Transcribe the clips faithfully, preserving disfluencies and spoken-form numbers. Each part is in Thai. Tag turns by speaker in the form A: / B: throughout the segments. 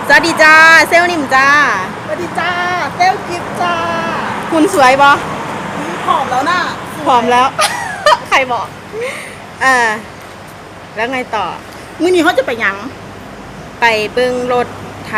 A: สวัสดีจ้าเซลนิ่มจ้า
B: สวัสดีจ้าเซลกิฟจ้า
A: คุณสวยบอ
B: ผอมแล้วน่ะ
A: ผอมแล้ว ใครบอกอ่าแล้วไงต่อ
B: มื้อนี้เขาจะไปยัง
A: ไปเบิ้งรถไถ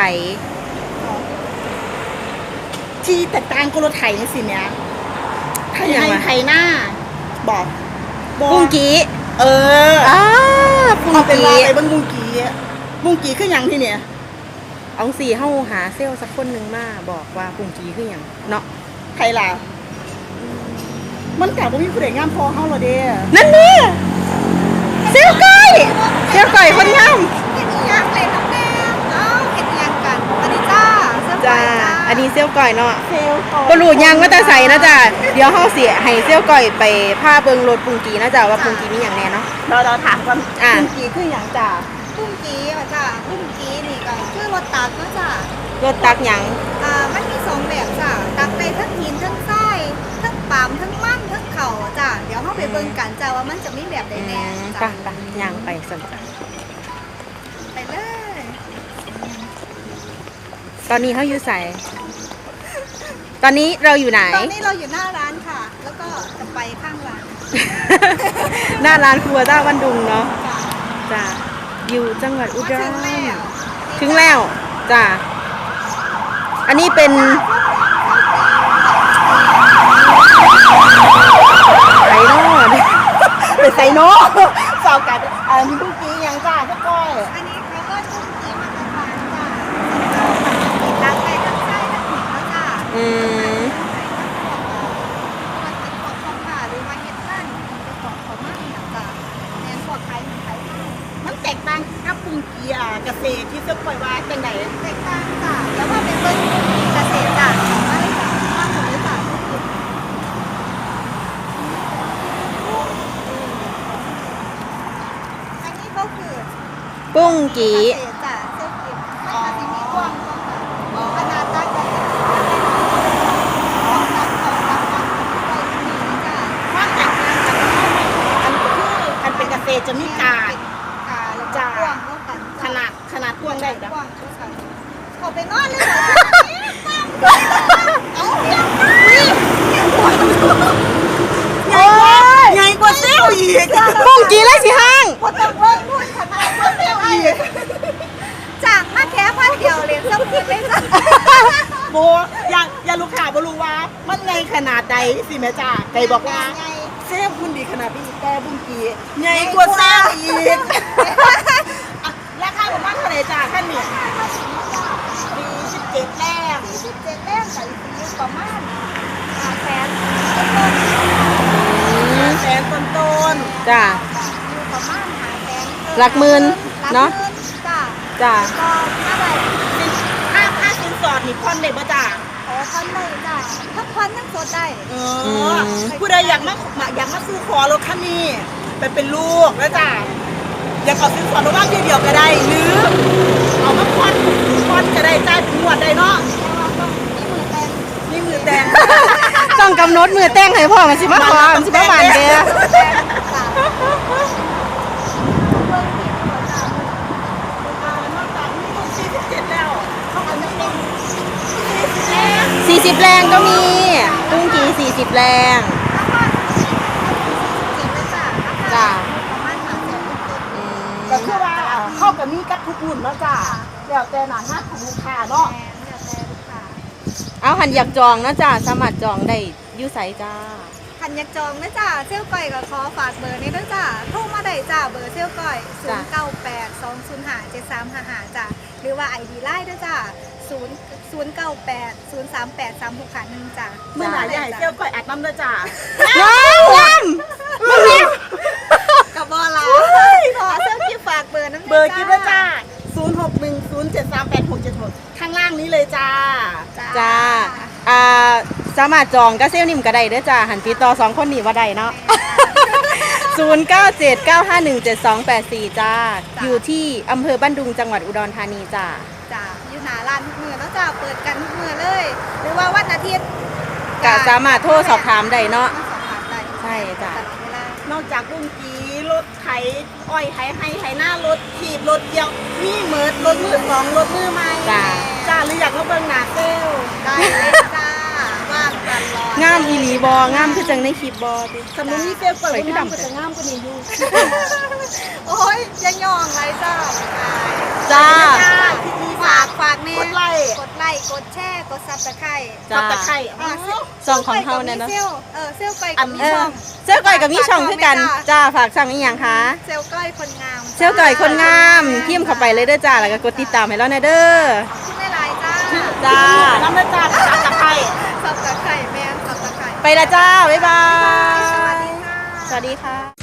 B: ที่แตกต่างกับรถไถนี่สิเนี่ยไถในไถหน้าบอก
A: บุ้งกี้
B: เออ
A: อ่าบุ้ง
B: กี้เป็นว่าไป
A: เ
B: บิ้งบุ้งกี้บุ้งกี้คือยังที่เนี่ย
A: เอาสี่เฮาหาเซลสักคนหนึ่งมาบอกว่าบุ้งกี้คือยังเนาะ
B: ไทยล่ะมันกล่าวว่ามีผู้ใดงามพอเฮาหรอเด้
A: นั่นนี่เซลก้อยเซลก้อยคนงาม
C: เห็ดอีหยังเลยน้องแม่เอ้าเห็ดอีหยังกันสวัสดีจ้าเซลก้
A: จ้า
C: อยจ้า
A: อันนี้เซลก้อยเนาะ
B: เซลก้อย
A: บ่รู้ยังว่าแต่ใส่นะจ้าเดี๋ยวเฮาสิให้เซลก้อยไปพาเบิ่งรถบุ้งกี้นะจ้าว่าบุ้งกี้มีหยังแน่เนาะ
B: เราเราถามก่อนบุ้งกี้คือหยังจ้า
C: บุ้งกี้อ่ะจ้าบุ้งกี้นี่ก็คือรถตักเนาะจ้าร
A: ถตักหยัง
C: อ่ามันมีสองแบบจ้าตักได้ทั้งหินทั้งทรายทั้งปาล์มทั้งมันทั้งเข่าจ้าเดี๋ยวเฮาไปเบิ่งกันจ้าว่ามันจะมีแบบใดแน่
A: ไป
C: จ้า
A: ไปย่างไปสั่นจ้ะ
C: ไปเลย
A: ตอนนี้เขาอยู่ใส่ตอนนี้เราอยู่ไหน
C: ตอนนี้เราอยู่หน้าร้านค่ะ แล้วก็จะไปข้างร้าน
A: หน้าร้านครัวต้าวันดุงเนาะ
C: จ้า
A: จ้ะอยู่จังหวัดอุดร
C: ถึงแล้ว
A: ถึงแล้วจ้ะอันนี้เป็นไซโน่
B: เป็นไซโน่สาวกันอ่ามีบุ้งกี้ยังจ้าพวกก้อย
C: อันนี้เขาก็ชุ่มกี้มาตรฐานจ้าตักไปทั้งไส้ทั้งหินแล้วจ้า
A: อืม
C: หรือว่าเฮ็ดบ้านเป็นของเขามากนะจ้ะแทนพวกไทยไทย
B: มันแตกต่างกับบุ้งกี้อ่ะเกษตรที่เสื้อก้อยว่าจังไหน
C: แตกต่างจ้ะแล้วว่าเป็นเบิ้งเกษตรจ้ะของบ้านจ้ะบ้านผมเลยจ้ะอันนี้ก็คือ
A: ปุ้งกี้
C: เกษตรจ้ะเสื้อกิบมันก็จะมีกว้างขนาดตั้งแต่ของตั้งของตั้งตั้งไปที่นี่จ้ะ
B: ความแตกต่างกันอันคืออันเป็นเกษตรจะมีกาด
C: กาแล้วก็กว้างเท่ากัน
B: ขนาดขนาดกว้างได้จ้ะ
C: กว้างเท่ากันเขาไปนอนเลยเหรอเอาเพียง
B: โอ้ยใหญ่กว่าเซลล์อีก
A: ปุ้งกี้เลยสิห้าง
C: พอต้องเบิ่งพูดขนาดว่าเซลล์อีกจากมาแค่พันเดียวเรียนสักคืนเลยจ้ะ
B: โบอย่าอย่าลูกค้าบ่รู้ว่ามันไงขนาดใดสิแม่จ้าไก่บอกว่าเซลล์คุณดีขนาดนี้แต่บุ้งกี้ใหญ่กว่าเซลล์อีกราคาประมาณเท่าไหร่จ้าท่านเนี่ยมีสิบเจ็ดแรก
C: สิบเจ็ดแต้มใส่สีประมาณห้าแสน
B: แสนต้นต้น
A: จ้ะ
C: อยู่ประมาณห้าแสน
A: หลักหมื่นเนาะ
C: จ้ะ
A: จ้ะ
C: ก็ถ้าไหร่
B: ค่าค่าสินสอดนี่ผ่อนได้บ่จ้า
C: ขอพันได้จ้ะถ้าพันยังสดได้
B: เออผู้ใดอยากมาอยากมาซื้อขอรถคันนี้ไปเป็นลูกแล้วจ้าอยากเอาสินสอดมาว่างเดียวๆก็ได้หรือเอามาผ่อนผ่อนก็ได้จ่ายเป็นงวดได้เนาะ
C: แต่ว่าต้องมีมือแต่ง
B: นี่มือแดง
A: ต้องกำหนดมือแต่งให้พ่อมันสิมาขอมันสิมาบานเด้อ
C: แต่งจ้ะเบิ่งผิดหัวจ้ะ
B: นอกจากมีลูกสี่สิบเจ็ดแล้วเขาก็จะเป็นสี่สิบแรง
A: สี่สิบแรงก็มีปุ้งกี้สี่สิบแรง
C: แล้วก็เจ็บเลยจ้ะ
A: จ้ะ
C: ประมาณห้าแสนต้น
A: อืม
B: ก็คือว่าเข้ากับมีกับทุกรุ่นแล้วจ้าแล้วแต่หนาหน้าของลูกค้าเนาะ
C: แพงเนี่ยแต่ลูกค้า
A: เอาหันอยากจองนะจ้าสามารถจองได้อยู่ไสจ้า
C: คันอยากจองนะจ้าเซลก้อยก็ขอฝากเบอร์นี้ด้วยจ้าโทรมาได้จ้าเบอร์เซลก้อยศูนย์เก้าแปดสองศูนย์ห้าเจ็ดสามห้าห้าจ้าหรือว่าไอดีไลน์ด้วยจ้าศูนย์ศูนย์เก้าแปดศูนย์สามแปดสามหกขาหนึ่งจ้า
B: เมื่อไหร่ใหญ่เซลล์ก่อยอัดน้ำด้วยจ้า
A: น้ำน้ำมันมี
C: กับบอลาขอเซลกี้ฝากเบอร์น้ำ
B: เบอร์กิ๊บด้วยจ้าศูนย์หกหนึ่งศูนย์เจ็ดสามแปดหกเจ็ดหกข้างล่างนี้เลยจ้า
A: จ้าอ่าสามารถจองก็เซลนิ่มก็ได้เด้อจ้าหันติดต่อสองคนนี้ว่าได้เนาะ ศูนย์ เก้า เจ็ด เก้า ห้า หนึ่ง เจ็ด สอง แปด สี่จ้าอยู่ที่อำเภอบ้านดุงจังหวัดอุดรธานีจ้า
C: จ้าอยู่หน้าร้านทุกมือแล้วจ้าเปิดกันทุกมือเลย หรือว่าวันอาทิตย์
A: ก็สามารถโทรสอบถามได้เนาะ
C: สอบถามได้
A: ใช่จ้ะ
C: ตลอดเวลาน
B: อกจากบุ้งกีรรถไถอ้อยไถให้ไถหน้ารถขีบรถเกี่ยวมีเหมิดรถมือสองรถมือใหม่
A: จ้า
B: จ้าหรืออยากมาเบิ่งหน้าเซลล
C: ได้เลยจ้าว่างตลอด
A: งามอีหลีบองามคือจังในคลิปบอติ
B: สำนุนนี่เซลลก่อนคุณงามก็จะงามกว่านี้อยู่
C: โอ้ยยังยองไรจ้า
A: จ้า
B: จ้าที่มี
C: ฝากฝากแม่
B: กดไลค์
C: กดไลค์กดแชร์กดซับสไครต์
A: จ้า
B: ตับตะไคร้
C: อ่า
A: ช่องของเฮาเนี่ยเนาะ
C: เซลล์เออเซลล์ก้อยกับมี
A: เอ
C: ช่
A: อ
C: อง
A: เซลลก่อยกับมีช่องคือกันจ้าฝากช่องอีหยังคะ
C: เซลล์ก้อยคนงาม
A: เซลลก่อยคนงามพิมพ์เข้าไปเลยเด้อจ้าแล้วก็กดติดตามให้เราแน่เด้อ
C: ชื่อแม่ลายจ้า
A: จ้า
B: น้ำเด้อจ้าตับตะไคร้
C: ซับสไครต์แม่ซับสไครต์
A: ไปละจ้าบ๊ายบาย
C: สวัสดีค่ะ
A: สวัสดีค่ะ